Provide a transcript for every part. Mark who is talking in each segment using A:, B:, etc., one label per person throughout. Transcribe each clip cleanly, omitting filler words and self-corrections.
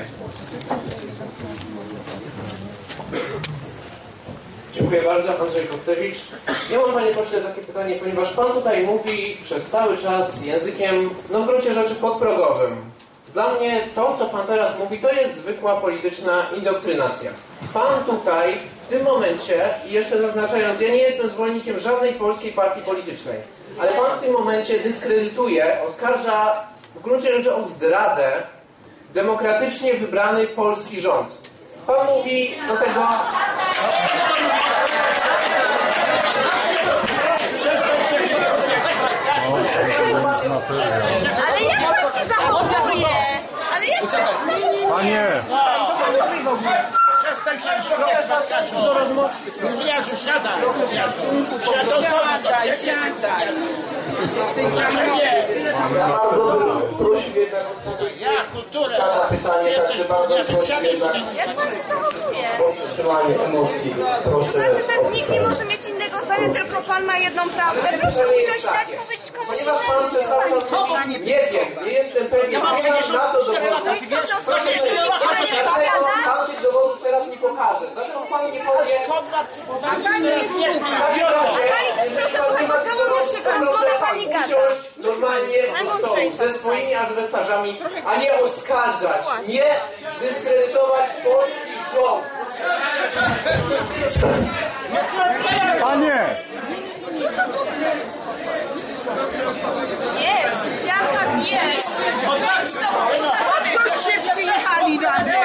A: Dziękuję bardzo, Andrzej Kostewicz. Ja mam, panie pośle, takie pytanie, ponieważ pan tutaj mówi przez cały czas językiem, no w gruncie rzeczy podprogowym. Dla mnie to, co pan teraz mówi, to jest zwykła polityczna indoktrynacja. Pan tutaj, w tym momencie, i jeszcze zaznaczając, ja nie jestem zwolennikiem żadnej polskiej partii politycznej, ale pan w tym momencie dyskredytuje, oskarża w gruncie rzeczy o zdradę demokratycznie wybrany polski rząd. Pan mówi do tego...
B: Ale jak pan się zachowuje? Ale jak pan się zachowuje?
C: Panie!
D: Przestań się do rozmówcy. Gówniarzu, siadaj. Siadaj do ciebie.
E: Ja bardzo bym prosił jednak o
D: Ja, kulturę.
E: pytanie, także bardzo prosił jednak
B: Jak pan się zachowuje?
E: o powstrzymanie emocji.
B: To
E: Proszę.
B: znaczy, że nikt nie może mieć innego zdania, tylko pan ma jedną prawdę. Proszę usiąść i dać powiedzieć komuś
A: Ponieważ pan przez cały czas mówi, nie wiem, nie jestem pewien,
D: Ja mam
A: nie mam na to
D: 64
A: dowodu.
D: lata, ty wiesz?
B: Proszę,
D: Proszę,
B: jeśli nikt pana nie
A: Dlaczego
B: powiada,
A: pan tych dowodów teraz nie pokaże? Dlaczego pan nie powie...
B: pani też proszę słuchać, bo całą noc rozmowę pani gada.
A: Usiąść normalnie do stołu ze swoimi adwersarzami, a nie oskarżać, nie dyskredytować polski rząd.
C: Panie!
B: Jezus, jaka wieś! Weź to,
F: Goście przyjechali na mnie!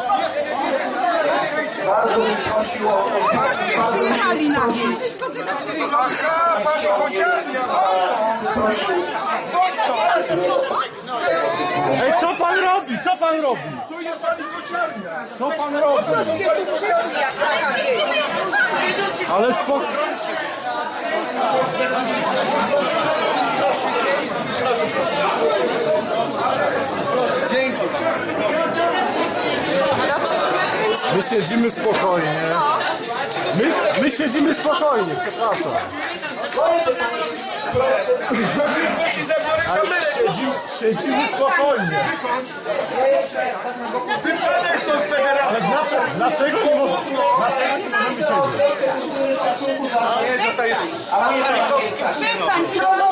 E: Bardzo bym prosił o
F: Goście przyjechali na mnie!
G: Aha, pani chociarnia!
C: Ej, co pan robi? Co pan robi?
G: Tu jest pani kociarnia!
C: Co pan robi? Ale spokojnie. Dzięki. My siedzimy spokojnie. My siedzimy spokojnie, przepraszam. Siedzimy spokojnie.
G: Wypadek stąd federacja!
C: Ale dlaczego nie możemy siedzieć?
G: Nie, to jest...
F: Przestań trollować!